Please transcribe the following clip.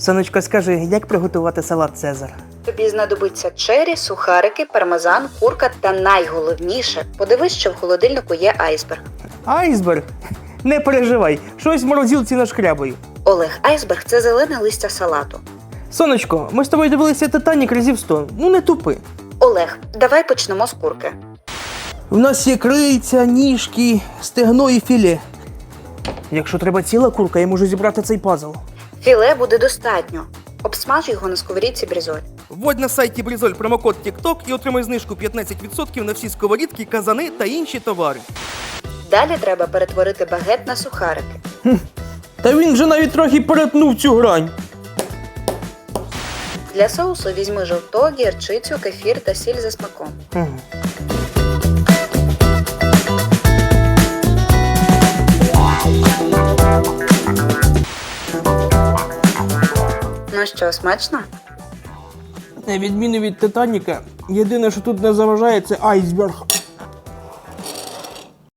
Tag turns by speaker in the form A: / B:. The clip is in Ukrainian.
A: Сонечко, скажи, як приготувати салат Цезар?
B: Тобі знадобиться чері, сухарики, пармезан, курка та найголовніше – подивись, що в холодильнику є айсберг.
A: Айсберг? Не переживай, щось в морозилці нашкрябаю.
B: Олег, айсберг – це зелене листя салату.
A: Сонечко, ми з тобою дивилися «Титанік» разів 100. Ну не тупи.
B: Олег, давай почнемо з курки.
A: У нас є крильця, ніжки, стегно і філе. Якщо треба ціла курка, я можу зібрати цей пазл.
B: Філе буде достатньо. Обсмаж його на сковорідці брізоль.
A: Вводь на сайті Брізоль промокод TikTok і отримай знижку 15% на всі сковорідки, казани та інші товари.
B: Далі треба перетворити багет на сухарики.
A: Та він вже навіть трохи перетнув цю грань.
B: Для соусу візьми жовток, гірчицю, кефір та сіль за смаком. Ну що, смачно?
A: На відміну від «Титаніка», єдине, що тут не заважає, це айсберг.